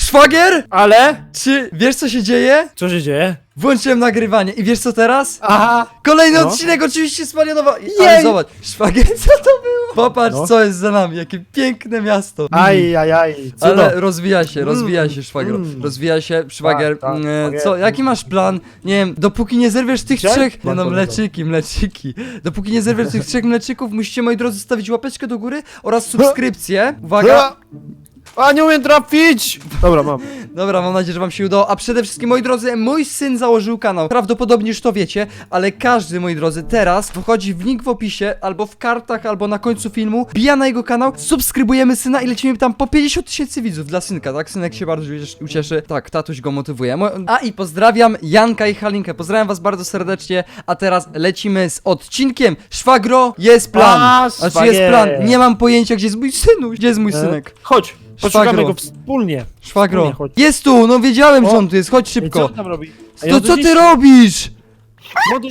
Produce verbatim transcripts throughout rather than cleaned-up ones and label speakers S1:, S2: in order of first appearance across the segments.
S1: Szwagier?
S2: Ale?
S1: Czy wiesz co się dzieje?
S2: Co się dzieje?
S1: Włączyłem nagrywanie i wiesz co teraz?
S2: Aha!
S1: Kolejny
S2: No.
S1: odcinek oczywiście spalionowa. Ale zobacz, szwagier, co to było? Popatrz
S2: No.
S1: co jest za nami, jakie piękne miasto.
S2: Aj, aj, aj. Co
S1: Ale
S2: to?
S1: rozwija się,
S2: Mm,
S1: rozwija się szwagro,
S2: mm.
S1: rozwija się szwagier.
S2: Tak, tak,
S1: Mm,
S2: szwagier.
S1: Co, jaki masz plan? Nie wiem, dopóki nie zerwiesz tych
S2: Gdzie?
S1: trzech. Nie
S2: Mam
S1: no,
S2: to
S1: mleczyki, mleczyki. Dopóki nie zerwiesz tych trzech mleczyków, musicie moi drodzy zostawić łapeczkę do góry oraz subskrypcję. Uwaga!
S2: A, nie umiem trafić! Dobra, mam.
S1: Dobra, mam nadzieję, że wam się udało. A przede wszystkim, moi drodzy, mój syn założył kanał. Prawdopodobnie już to wiecie, ale każdy, moi drodzy, teraz wchodzi w link w opisie, albo w kartach, albo na końcu filmu, bija na jego kanał, subskrybujemy syna i lecimy tam po pięćdziesiąt tysięcy widzów dla synka, tak? Synek się bardzo ucieszy. Tak, tatuś go motywuje. Mo- A i pozdrawiam Janka i Halinkę. Pozdrawiam was bardzo serdecznie, a teraz lecimy z odcinkiem. Szwagro, jest plan.
S2: A,
S1: Znaczy jest plan.
S2: szwagier.
S1: Nie mam pojęcia, gdzie jest mój synu. Gdzie jest mój
S2: E,
S1: synek?
S2: Chodź, poszukamy
S1: Szwagro.
S2: go wspólnie.
S1: Szwagro.
S2: Wspólnie, chodź.
S1: Jest tu, no wiedziałem,
S2: O.
S1: że on tu jest. Chodź
S2: Ej,
S1: szybko.
S2: co on tam robi? Ej,
S1: To
S2: on
S1: co
S2: gdzieś-
S1: ty robisz?
S2: Młody.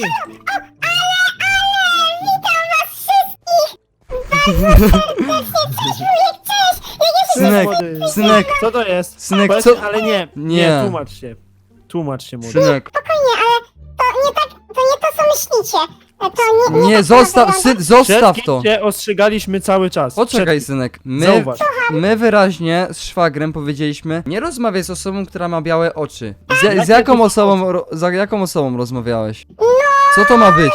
S1: Synek,
S2: młody.
S1: synek,
S2: Co to jest?
S1: synek,
S2: Powiedz,
S1: co?
S2: Ale nie,
S1: Nie.
S2: nie, tłumacz się. Tłumacz się, młody.
S1: Synek.
S3: Spokojnie, ale to nie tak, to nie to, co myślicie. To nie, nie,
S1: Nie,
S3: tak
S1: zostaw,
S3: wygląda.
S1: syn, zostaw
S2: Przed
S1: to.
S2: kim cię ostrzegaliśmy cały czas.
S1: Poczekaj,
S2: Przed
S1: synek.
S2: kim?
S1: My,
S2: Zauważ.
S1: my wyraźnie z szwagrem powiedzieliśmy, nie rozmawiaj z osobą, która ma białe oczy. Z, z
S2: Jakie
S1: jaką
S2: to
S1: osobą, ro, za jaką osobą rozmawiałeś? Co to ma być?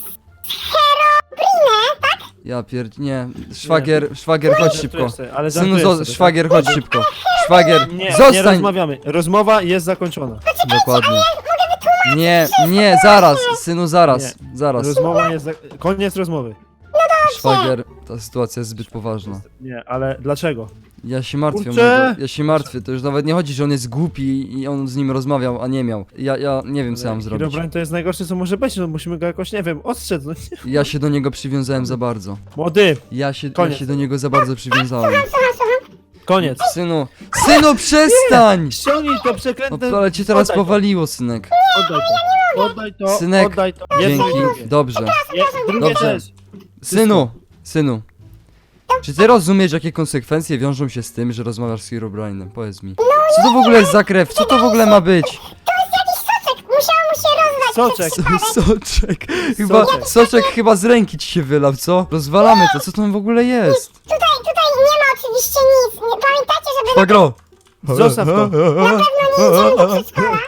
S1: Ja pierd... nie. Szwagier, szwagier, chodź szybko.
S2: Żartujesz sobie, ale
S1: Synu,
S2: żartujesz
S1: zo-
S2: sobie,
S1: szwagier, chodź szybko. Szwagier,
S2: tak? Nie, nie
S1: zostań.
S2: rozmawiamy. Rozmowa jest zakończona.
S1: Dokładnie. Nie, nie, zaraz, synu, zaraz, zaraz.
S2: Rozmowa jest za... Koniec rozmowy.
S1: Szwagier, ta sytuacja jest zbyt poważna.
S2: Nie, ale dlaczego?
S1: Ja się martwię,
S2: Kurczę!
S1: mordo, ja się martwię, to już nawet nie chodzi, że on jest głupi i on z nim rozmawiał, a nie miał. Ja, ja nie wiem, co ja mam zrobić.
S2: Herobrine to jest najgorsze, co może być, no musimy go jakoś, nie wiem, ostrzec. No nie.
S1: Ja się do niego przywiązałem za bardzo.
S2: Młody,
S1: Ja się, ja
S2: Koniec.
S1: się do niego za bardzo przywiązałem.
S2: koniec.
S1: Synu, synu, przestań!
S2: Ściągnij to przekrętne...
S1: O, ale cię teraz
S2: Oddaj to.
S1: powaliło, synek.
S2: Oddaj to. Oddaj to,
S1: Synek,
S2: oddaj to. Jedno i
S1: Dzięki,
S2: drugie.
S1: dobrze.
S2: Je, drugie
S1: Dobrze.
S2: też.
S1: Synu, synu. Czy ty rozumiesz, jakie konsekwencje wiążą się z tym, że rozmawiasz z Herobrine'em? Powiedz mi. Co to w ogóle jest za krew? Co to w ogóle ma być?
S3: Soczek, musiało mu się rozlać.
S2: Soczek.
S1: Soczek. Chyba,
S2: Soczek.
S1: soczek chyba z ręki ci się wylał, co? Rozwalamy to, co tam w ogóle jest?
S3: Tutaj, tutaj nie ma oczywiście nic. Nie, pamiętajcie, żeby
S1: Szwagro.
S2: Zostaw to.
S3: nie idziemy do przedszkola.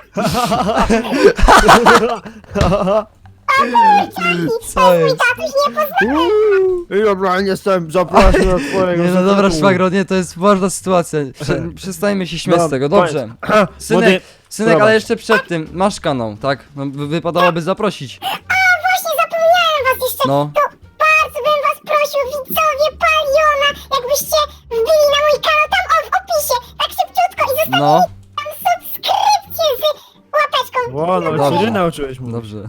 S1: Co jest?
S3: Tatuś nie pozwala.
S2: Herobrine, jestem, zapraszam do twojego
S1: Nie no dobra,
S2: sklepu.
S1: szwagro, nie, to jest ważna sytuacja. Prze przestańmy się śmiać z
S2: No,
S1: tego,
S2: koniec.
S1: dobrze.
S2: Młody,
S1: Synek, synek, ale
S2: prowadź.
S1: jeszcze przed tym, masz kanał, tak? No, wy- wypadałoby zaprosić.
S3: Właśnie zapomniałem was jeszcze.
S1: No.
S3: To bardzo bym was prosił, widzowie Paliona, jakbyście wbili na mój kanał tam o, w opisie, tak szybciutko i zostawili
S1: No,
S3: tam subskrypcję z łapeczką.
S2: Ło, no
S1: Dobrze.
S2: się nauczyłeś mu.
S1: dobrze.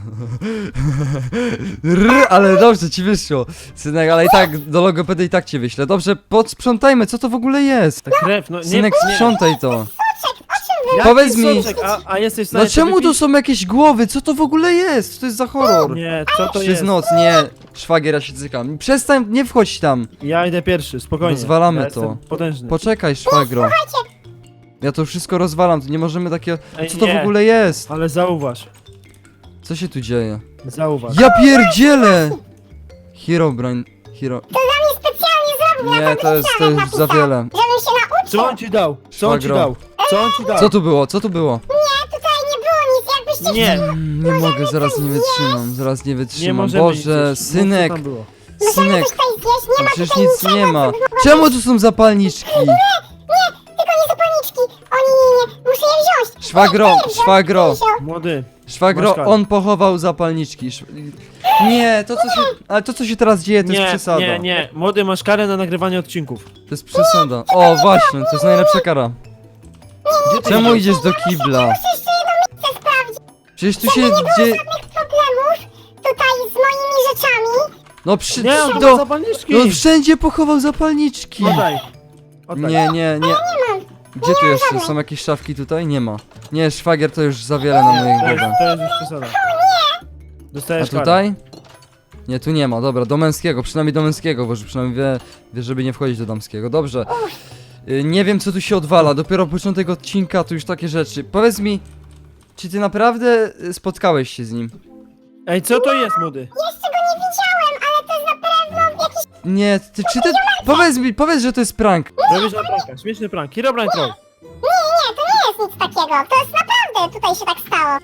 S1: Rr, ale dobrze ci wyszło. Synek, ale i tak do logopedy i tak cię wyślę. Dobrze, podsprzątajmy, co to w ogóle jest?
S2: Ta krew, no nie...
S1: Synek,
S2: nie.
S1: sprzątaj to.
S3: Soczek, o czym wy?
S2: Jaki
S1: Powiedz mi-
S2: soczek? A, a jesteś w
S1: No
S2: stanie
S1: czemu
S2: sobie
S1: tu są jakieś głowy? Co to w ogóle jest? Co to jest za horror?
S2: Nie, co to
S1: Przez
S2: jest?
S1: noc, nie. Szwagier, ja się cykam. Przestań, nie wchodź tam.
S2: Ja idę pierwszy, spokojnie.
S1: Rozwalamy
S2: ja
S1: to.
S2: jestem potężny.
S1: Poczekaj, szwagro. Ja to wszystko rozwalam, tu nie możemy takiego...
S2: Ej,
S1: Co to w
S2: nie.
S1: ogóle jest?
S2: Ale zauważ,
S1: Co się tu dzieje?
S2: zauważ.
S1: Ja pierdzielę! Herobrine, Hero...
S3: Specjalnie zrobił
S1: Nie, to jest, to już za wiele.
S3: żebym się nauczył.
S2: Co on ci dał? Co on ci
S1: Szwagro.
S2: dał? Co on ci dał?
S1: Co tu było? Co tu było?
S3: Nie, tutaj nie było nic, jakbyście
S2: Nie,
S1: Mm, Nie mogę, zaraz nie wytrzymam, zaraz nie
S2: nie
S1: wytrzymam.
S2: możemy
S1: Boże,
S2: nic jeść.
S1: synek,
S2: Mów, co tam było.
S1: synek,
S3: tutaj zjeść, nie
S1: tam
S3: ma
S1: przecież
S3: tutaj
S1: nic
S3: niczego,
S1: nie ma.
S3: co by było
S1: Czemu tu są zapalniczki?
S3: tylko nie zapalniczki. O nie, nie, nie, muszę je wziąć.
S1: Szwagro, szwagro,
S2: Młody,
S1: szwagro,
S2: Masz karę.
S1: on pochował zapalniczki. Sz- Nie, to co się, ale to co się teraz dzieje, to jest
S2: nie,
S1: przesada.
S2: nie, nie. Młody, masz karę na nagrywanie odcinków.
S1: To jest przesada. O, właśnie, to jest najlepsza kara.
S2: Gdzie ty
S1: Czemu
S2: idziesz?
S1: idziesz do kibla?
S3: Muszę jeszcze jedno miejsce sprawdzić.
S1: Przecież tu się
S3: Nie było
S1: dzieje...
S3: żadnych problemów tutaj z moimi rzeczami.
S1: No przy...
S2: Nie, on ma
S1: do...
S2: zapalniczki.
S1: No wszędzie pochował zapalniczki.
S2: Oddaj. Oddaj.
S1: Nie, nie, nie. Gdzie tu jeszcze? Są jakieś szafki tutaj? Nie ma. Nie, szwagier to już za wiele na mojej
S2: To jest,
S1: głowę.
S2: to jest już przesada.
S1: A
S2: Dostajesz karę.
S1: tutaj? Nie, tu nie ma. Dobra, do męskiego. Przynajmniej do męskiego, bo że przynajmniej wie, wie, żeby nie wchodzić do damskiego. Dobrze. Y, Nie wiem, co tu się odwala, dopiero początek odcinka, to już takie rzeczy. Powiedz mi, czy ty naprawdę y, spotkałeś się z nim?
S2: Ej, co to jest, młody?
S3: Jeszcze go nie widziałem, ale to jest na pewno jakiś...
S1: Nie, ty, czy ty... Powiedz mi, powiedz, że to jest prank.
S2: Robisz na pranka, śmieszny prank. Herobrine troll.
S3: Nie, nie, to nie jest nic takiego. To jest naprawdę, tutaj się tak stało.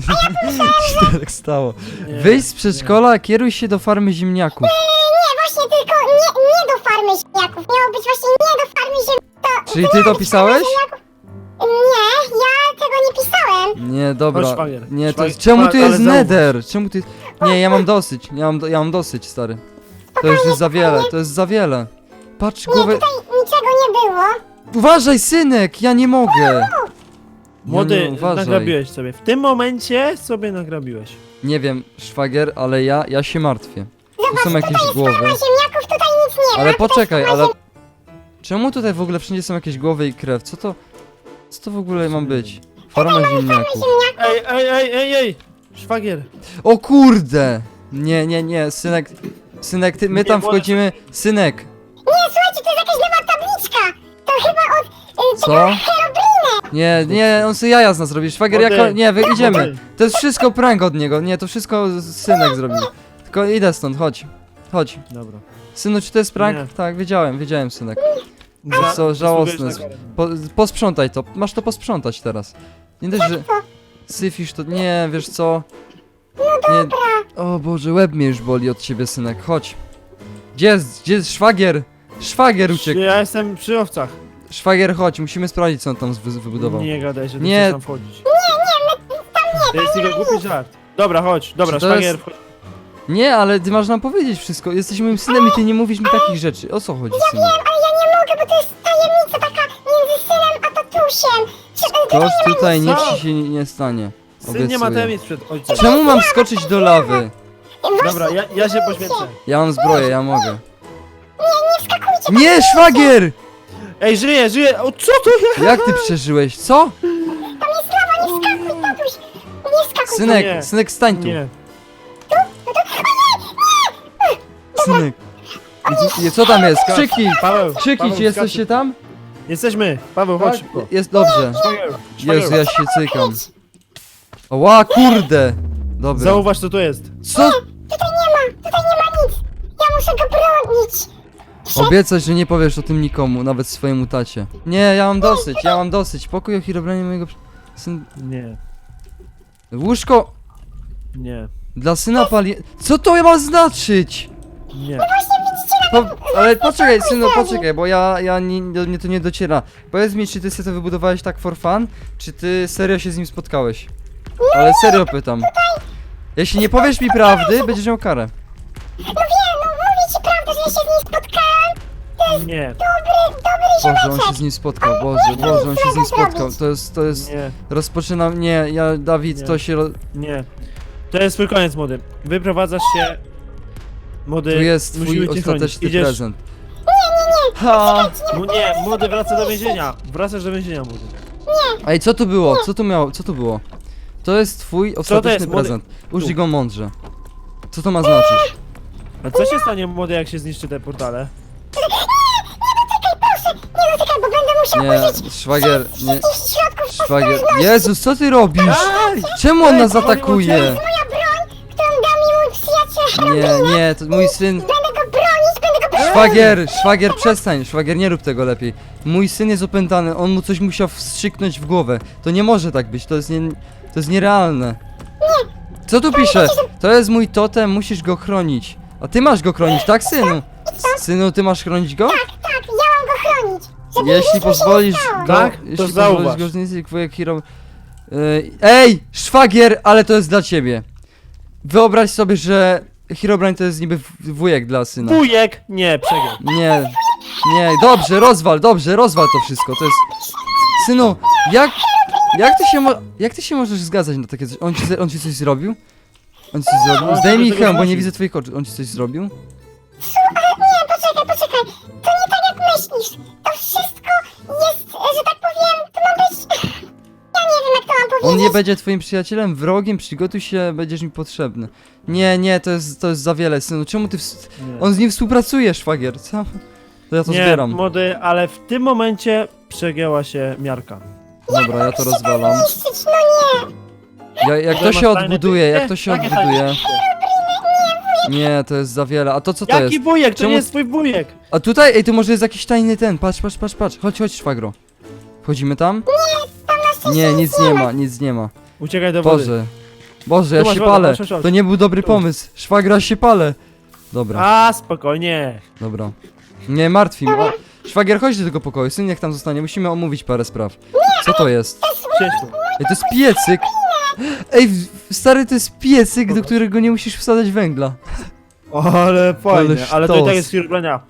S1: Co się tak stało?
S2: Nie,
S1: Wyjdź z przedszkola, kieruj się do farmy ziemniaków.
S3: Nie, właśnie tylko nie, nie do farmy ziemniaków. Miało być właśnie nie do farmy ziemniaków.
S1: Czyli ty to pisałeś?
S3: Nie, ja tego nie pisałem.
S1: Nie, dobra.
S2: Chodź, szwagier.
S1: Nie, to
S2: Szwagier,
S1: jest... Czemu tu
S2: ale
S1: jest
S2: zauważ.
S1: nether? Czemu tu jest... Nie, ja mam dosyć. Ja mam, do... ja mam dosyć, stary. To już jest za wiele, to jest za wiele. Patrz,
S3: Nie,
S1: głowę...
S3: tutaj niczego nie było.
S1: Uważaj, synek, ja nie mogę.
S2: Młody,
S1: Ja nie, uważaj.
S2: nagrabiłeś sobie. W tym momencie sobie nagrabiłeś.
S1: Nie wiem, szwagier, ale ja, ja się martwię. Tu są jakieś głowy.
S3: Farma ziemniaków, tutaj nic nie ma.
S1: Ale
S3: Tutaj
S1: poczekaj,
S3: farma
S1: ale...
S3: ziem-
S1: Czemu tutaj w ogóle wszędzie są jakieś głowy i krew? Co to... Co to w ogóle ma być? Farma ziemniaków.
S2: Ej, ej, ej, ej, ej! Szwagier.
S1: O kurde! Nie, nie, nie, synek... Synek, ty, my
S2: Nie,
S1: tam
S2: wolę-
S1: wchodzimy... Synek!
S3: Nie, słuchajcie, to jest jakaś nowa tabliczka. To chyba od... Y,
S1: Co?
S3: tego Herobrine.
S1: Nie, nie, on sobie jaja z nas robi. Szwagier,
S2: Młody.
S1: jako... Nie, wy idziemy.
S2: Młody.
S1: To jest wszystko prank od niego. Nie, to wszystko synek zrobił. Tylko idę stąd, chodź. Chodź.
S2: Dobra.
S1: Synu, czy to jest prank?
S2: Nie.
S1: Tak, wiedziałem, wiedziałem, synek.
S2: Za-
S1: co, żałosne.
S2: zasługujesz na karę.
S1: Po, posprzątaj to, masz to posprzątać teraz. Nie dość, że... Syfisz to... Nie, wiesz co? Nie... O Boże, łeb mnie już boli od ciebie, synek, chodź. Gdzie jest, gdzie jest szwagier? Szwagier uciekł.
S2: Ja jestem przy owcach.
S1: Szwagier, chodź, musimy sprawdzić, co on tam wy- wybudował.
S2: Nie gadaj, że ty
S1: Nie.
S2: chcesz tam wchodzić. Nie, nie, my tam nie. To jest tylko głupi żart. Dobra, chodź, dobra,
S1: Czy to
S2: szwagier,
S1: jest-
S2: wchodź.
S1: Nie, ale ty masz nam powiedzieć wszystko. Jesteś moim synem i ty nie mówisz mi takich rzeczy. O co chodzi, synu?
S3: Ale ja nie mogę, bo to jest tajemnica taka między synem a tatusiem. Czy, y,
S1: Toż tutaj nic
S2: Co?
S1: ci się nie, nie stanie.
S2: Syn nie ma
S1: Obiecuję.
S2: tajemnic przed ojcem.
S1: Czemu mam skoczyć do lawy?
S2: Dobra, ja, ja się poświęcę.
S1: Ja mam zbroję, ja mogę.
S3: nie wskakujcie.
S1: Nie, szwagier!
S2: Ej, żyję, żyję! O, co to jest?
S1: Jak ty przeżyłeś? Co?
S3: Tam jest lawa, nie wskakuj, tatuś. Nie wskakuj.
S1: Synek,
S2: Nie.
S1: synek, stań tu.
S2: Nie.
S1: Synek. I- i- Co tam jest? Krzyki!
S2: Paweł,
S1: Krzyki,
S2: Paweł,
S1: czy jesteście tam?
S2: Jesteśmy. Paweł, chodź
S1: Tak?
S2: szybko.
S1: Jest dobrze.
S2: Szwagier,
S1: Jezu,
S2: szwagier.
S1: ja się cykam. Ła, kurde! Dobra.
S2: Zauważ, co to jest.
S1: Co?
S3: Tutaj nie ma, tutaj nie ma nic. Ja muszę go bronić.
S1: Obiecać, że nie powiesz o tym nikomu, nawet swojemu tacie. Nie, ja mam dosyć, ja mam dosyć. Pokój o Herobrine'ie mojego... przy- Syn...
S2: Nie,
S1: Łóżko
S2: nie,
S1: dla syna pali... Co to ma znaczyć?
S2: nie.
S1: Po, ale poczekaj, synu, poczekaj, bo ja, ja nie, do mnie to nie dociera. Powiedz mi, czy ty sobie to wybudowałeś tak for fun, czy ty serio się z nim spotkałeś? Ale serio pytam. Jeśli nie powiesz mi prawdy, będziesz miał karę.
S3: No wiem, no mówię ci prawdę, że ja się z nim spotkałem.
S2: Nie,
S3: Dobry, dobry
S1: Boże, on
S3: ziomeczek.
S1: się z nim spotkał, Boże, Boże, on się z nim spotkał. To jest, to jest...
S2: nie,
S1: Rozpoczynam, nie, ja, Dawid,
S2: Nie.
S1: to się... ro-
S2: nie. To jest twój koniec, młody. Wyprowadzasz się. Młody,
S1: Tu jest twój
S2: musimy cię
S1: ostateczny
S2: chronić. Idziesz.
S1: prezent. Ha!
S2: Mu- Nie, młody wraca do więzienia. Wracasz do więzienia, młody.
S1: Ej, co tu było? Co tu miało? Co tu było? To jest twój ostateczny
S2: jest, młody?
S1: prezent. Użyj
S2: Tu.
S1: go mądrze. Co to ma znaczyć?
S2: A co się stanie, młody, jak się zniszczy te portale?
S3: Nie dotykaj, bo będę musiał
S1: Nie,
S3: użyć
S1: szwagier, nie,
S3: wszystkich środków
S1: szwagier.
S3: ostrożności.
S1: Jezus, co ty robisz?
S2: Ej!
S1: Czemu on
S2: Ej,
S1: nas
S2: powoli
S1: atakuje?
S3: Moja broń, którą da mi mój przyjaciel
S1: Nie, nie, to mój syn...
S3: Będę go bronić, będę go bronić.
S1: Szwagier, szwagier, przestań, szwagier, nie rób tego lepiej. Mój syn jest opętany, on mu coś musiał wstrzyknąć w głowę. To nie może tak być, to jest nie... To jest nierealne. Co tu pisze? To jest mój totem, musisz go chronić. A ty masz go chronić, tak, synu? Synu, ty masz chronić go?
S3: Tak, ja mam go chronić. Żeby
S1: Jeśli
S3: nic mu się nie
S1: pozwolisz
S3: stało.
S1: go,
S2: Tak? To
S1: jeśli pozwolisz
S2: zauważ.
S1: go zniszczyć wujek hero... Ej, Ej, szwagier, ale to jest dla ciebie. Wyobraź sobie, że Herobrine to jest niby w- wujek dla syna.
S2: Wujek! Nie, przegrał.
S1: Nie, nie, dobrze, rozwal, dobrze, rozwal to wszystko, to jest... Synu, jak... Jak ty się mo... Jak ty się możesz zgadzać na takie coś? On ci, on ci coś zrobił? On ci coś zrobił?
S2: On
S1: Zdejmij
S2: tego
S1: hełm, bo nie
S2: zmusił.
S1: widzę twoich oczu. On ci coś zrobił?
S3: Nie, poczekaj, poczekaj. To nie tak jak myślisz. To wszystko jest, że tak powiem, to ma być... Ja nie wiem, jak to mam powiedzieć.
S1: On nie będzie twoim przyjacielem, wrogiem, przygotuj się, będziesz mi potrzebny. Nie, nie, to jest, to jest za wiele, synu, czemu ty... W...
S2: Nie.
S1: On z nim współpracuje, szwagier, co? To ja to
S2: Nie,
S1: zbieram.
S2: młody, ale w tym momencie przegięła się miarka.
S1: Dobra, ja to rozwalam.
S3: Niszczyć, no nie.
S1: Ja, jak to
S2: Masz
S1: się
S2: fajne
S1: odbuduje,
S2: pytanie?
S1: jak to się
S2: Jakie fajne
S1: odbuduje...
S2: pytanie?
S1: Nie, to jest za wiele. A to co to
S2: Jaki
S1: jest?
S2: wujek? To
S1: Czemu-
S2: nie jest twój wujek.
S1: A tutaj, ej, tu może jest jakiś tajny ten. Patrz, patrz, patrz, patrz. Chodź, chodź, szwagro. Wchodzimy tam? Nie, nic nie ma, nic nie ma.
S2: Uciekaj do wody.
S1: Boże. Boże, ja
S2: Tu masz
S1: się
S2: wodę,
S1: palę.
S2: masz, masz, masz.
S1: To nie był dobry
S2: Tu.
S1: pomysł. Szwagra się palę. Dobra,
S2: A, spokojnie.
S1: dobra. Nie martwi mnie. O, szwagier, chodź do tego pokoju. Syn niech tam zostanie. Musimy omówić parę spraw. Co to jest?
S2: Siedź tu.
S1: Ej, to jest piecyk. Ej, w- stary, to jest piecyk, do którego nie musisz wsadzać węgla.
S2: Ale fajnie,
S1: Ale
S2: ale to i
S1: sztos.
S2: tak jest chwilę.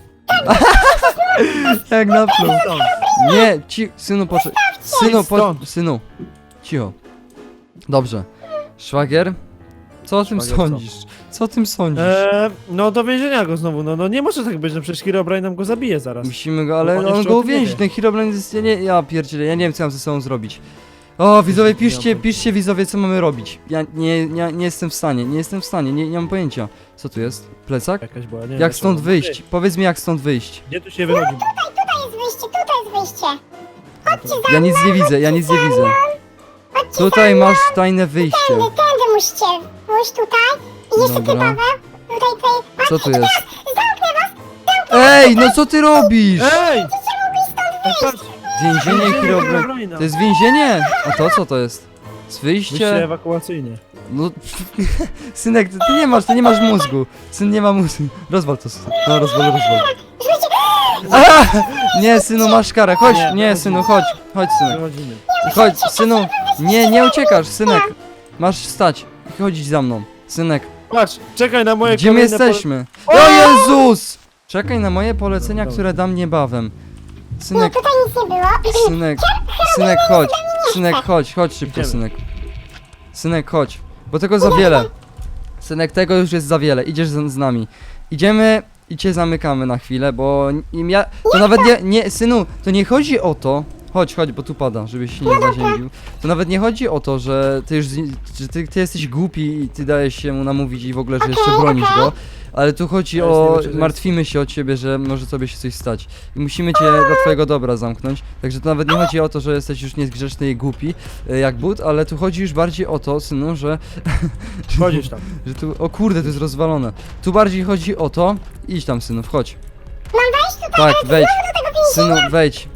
S1: Jak napluł. Nie, ci, synu, poczekaj. Synu, po,
S2: Stąd.
S1: synu. Cicho. Dobrze. Szwagier? Co o tym
S2: Szwagier, co?
S1: sądzisz? Co o tym sądzisz?
S2: Eee, no do więzienia go znowu, no, no nie może tak być, no przecież Herobrine nam go zabije zaraz.
S1: Musimy go, ale
S2: on
S1: on
S2: jeszcze
S1: go
S2: o tym nie
S1: uwięzi.
S2: wie.
S1: Ten Herobrine jest, ja, nie, ja pierdzielę, ja nie wiem co mam ze sobą zrobić. O, widzowie, piszcie, piszcie widzowie, co mamy robić. Ja nie, nie, nie jestem w stanie, nie jestem w stanie, nie, nie mam pojęcia. Co tu jest? Plecak?
S2: Jakaś była, nie wiem,
S1: Jak
S2: co
S1: stąd
S2: to-
S1: wyjść? Powiedz mi, jak stąd wyjść.
S2: Gdzie tu się wychodzi?
S3: Tutaj jest wyjście, tutaj jest wyjście.
S1: Ja nic nie widzę, ja nic nie widzę.
S3: Chodźcie
S1: Tutaj masz tajne wyjście.
S3: tędy, tędy musicie. Pójść tutaj. I jeszcze ty,
S1: Dobra.
S3: Paweł. Tutaj, tutaj.
S1: Co tu jest?
S3: Zamknę was.
S1: Ej, no co ty robisz?
S2: Ej! Ej, patrz,
S1: Więzienie Herobrine.
S2: Herobrina.
S1: To jest więzienie? A to co to jest? Z
S2: Wyjście
S1: wyjście?
S2: ewakuacyjne.
S1: No, synek, ty, ty nie masz, ty nie masz mózgu. Syn nie ma mózgu. Rozwal to. syn. No, rozwal, rozwal. A! Nie, synu, masz karę. Chodź,
S2: Nie,
S1: nie, synu, chodź. Chodź, synek.
S2: Wychodzimy.
S1: Chodź, synu. Nie, nie uciekasz, synek. Masz stać i chodzić za mną. Synek,
S2: Patrz, czekaj na moje
S1: gdzie my
S2: kolejne
S1: jesteśmy? O Jezus! Czekaj na moje polecenia,
S2: Dobra.
S1: które dam niebawem.
S3: Nie,
S1: Synek,
S3: tutaj nic nie było.
S1: synek, synek, chodź. Synek, chodź, chodź szybko,
S2: Idziemy.
S1: synek. Synek, chodź. Bo tego za wiele. Synek, tego już jest za wiele. Idziesz z, z nami. Idziemy i cię zamykamy na chwilę, bo im ja. To nawet nie, nie. Synu, to nie chodzi o to. Chodź, chodź, bo tu pada, żebyś się nie zaziębił. To nawet nie chodzi o to, że ty już. z- Że ty, ty jesteś głupi i ty dajesz się mu namówić i w ogóle, że jeszcze bronisz go. Ale tu chodzi
S2: Ale
S1: o.
S2: z tym, że to
S1: Martwimy się o ciebie, że może sobie się coś stać. I musimy cię dla twojego dobra zamknąć. Także to nawet nie chodzi o to, że jesteś już niezgrzeczny i głupi, e, jak but, ale tu chodzi już bardziej o to, synu, że.
S2: Chodzisz tam.
S1: Że tu, o kurde, to jest rozwalone. Tu bardziej chodzi o to, idź tam, synu, wchodź.
S3: Mam wejść tutaj?
S1: Tak, wejdź.
S3: Do tego więzienia.
S1: Synu, wejdź.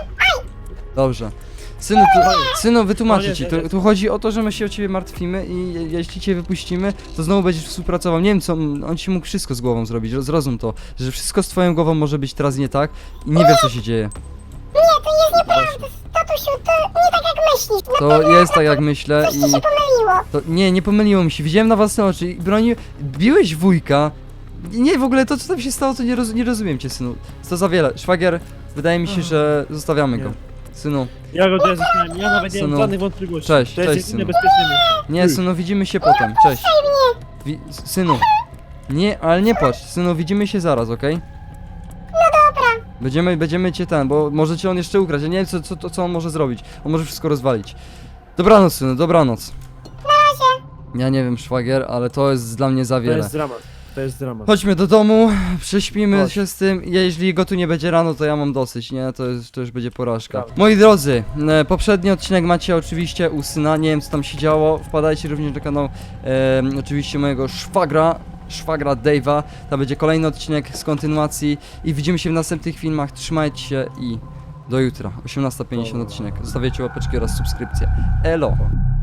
S1: Dobrze. Synu, tu, synu, wytłumaczę
S2: Koniec,
S1: ci, tu,
S2: jest.
S1: tu chodzi o to, że my się o ciebie martwimy i je- jeśli cię wypuścimy, to znowu będziesz współpracował. Nie wiem co, on ci mógł wszystko z głową zrobić, zrozum to, że wszystko z twoją głową może być teraz nie tak i nie wiesz co się dzieje.
S3: Nie, to jest nieprawda. Tatusiu, to nie tak jak myślisz.
S1: To jest tak jak myślę
S3: Coś
S1: i...
S3: ci się pomyliło.
S1: To, nie, nie pomyliło mi się, widziałem na własne oczy i bronił, biłeś wujka. I Nie, w ogóle to co tam się stało, to nie, roz, nie rozumiem cię, synu. To za wiele. Szwagier, wydaje mi się, że zostawiamy go.
S2: Nie.
S1: Synu,
S2: Ja go tutaj zostawiam, ja nawet nie mam
S1: Synu.
S2: żadnych wątpliwości.
S1: Cześć,
S2: to jest
S1: cześć,
S2: jedyne
S1: synu.
S2: bezpieczne miejsce.
S1: nie, synu, widzimy się potem, cześć. Wi synu, nie, ale nie płacz, synu, widzimy się zaraz, okej? No dobra. Będziemy, będziemy cię ten, bo może cię on jeszcze ukraść, ja nie wiem co, co, to, co on może zrobić. On może wszystko rozwalić. Dobranoc, synu, dobranoc. Na razie. Ja nie wiem, szwagier, ale to jest dla mnie za
S2: To
S1: wiele.
S2: jest dramat. To jest dramat.
S1: Chodźmy do domu, prześpimy
S2: Chodź.
S1: się z tym. Jeśli go tu nie będzie rano, to ja mam dosyć, nie? To, jest, to już będzie porażka.
S2: Dobra.
S1: Moi drodzy, e, poprzedni odcinek macie oczywiście u syna, nie wiem co tam się działo. Wpadajcie również na kanał e, oczywiście mojego szwagra, szwagra Dave'a. Tam będzie kolejny odcinek z kontynuacji i widzimy się w następnych filmach. Trzymajcie się i do jutra. osiemnasta pięćdziesiąt odcinek. Zostawiajcie łapeczki oraz subskrypcję. Elo!